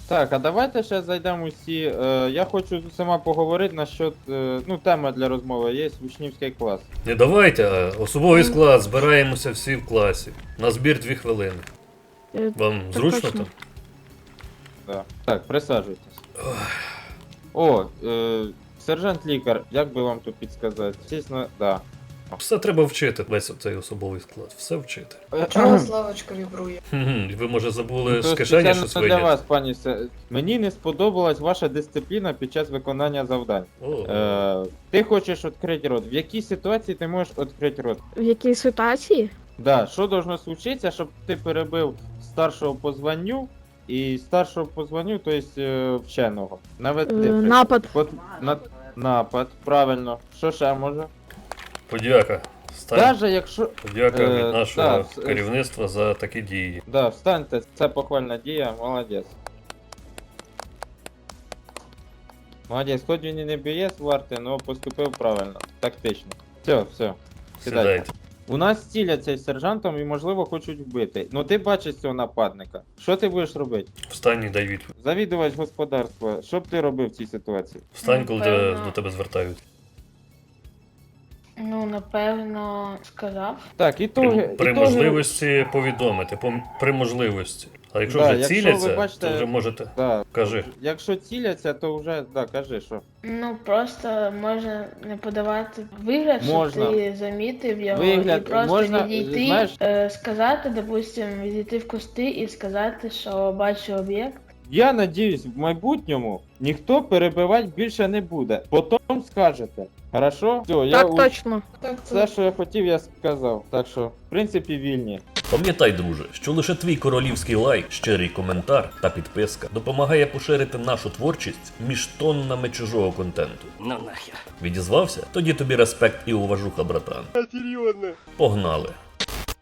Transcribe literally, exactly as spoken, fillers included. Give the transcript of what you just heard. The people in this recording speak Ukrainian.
Так, а давайте ще зайдемо усі. Е, я хочу з усіма поговорити насчет, е, ну, тема для розмови є учнівський клас. Не давайте, а особовий склад, збираємося всі в класі. На збір дві хвилини. Е, Вам Так зручно точно. там? Да. Так, присаджуйтесь. О, е, сержант лікар, як би вам тут підсказати? Чесно, да. Все треба вчити, весь цей особовий склад. Все вчити. Чого славочка вібрує? Хм, ви, може, забули То з кишені спеціально щось для вийняти? вас, пані Се- Мені не сподобалась ваша дисципліна під час виконання завдань. О, Е, ти хочеш відкрити рот. В якій ситуації ти можеш відкрити рот? В якій ситуації? Да, що должно случитися, щоб ти перебив старшого по званню і старшого по званню, тобто е, вченого. Навіть Е, ти. Напад. От, на, напад, правильно. Що ще може? подяка. Стань. Даже якщо. Подяка Е, від нашого да, с- керівництва за такі дії. Да, встаньте, це похвальна дія, молодець. Молодець, хоч він і не б'є з варти, але поступив правильно, тактично. Все, все. Сідайте. Сідайте. У нас ціляться із сержантом і, можливо, хочуть вбити. Ну ти бачиш цього нападника. Що ти будеш робити? Встань і дай відповідь. Завідувач господарства, що б ти робив в цій ситуації? Встань, коли тебе, Напевно. до тебе звертають. Ну, напевно, сказав. Так, і При, то. при можливості повідомити, по, при можливості. А якщо Да, вже якщо ви ціляться, бачите- то вже можете. Да. Кажи. Якщо ціляться, то вже, да, кажи, що. Ну, просто можна не подавати вигляд, Можна. щоб ти замітив його, Вигляд, і просто можна, відійти, знаєш- е, сказати, допустим, відійти в кусти і сказати, що бачу об'єкт. Я надіюсь, в майбутньому ніхто перебивати більше не буде. Потім скажете. Хорошо? Все, я Так у- точно. Так, все, що я хотів, я сказав. Так що, в принципі, вільні. Пам'ятай, друже, що лише твій королівський лайк, щирий коментар та підписка допомагає поширити нашу творчість між тоннами чужого контенту. Ну нахер. Відізвався? Тоді тобі респект і уважуха, братан. Серйозно? Погнали!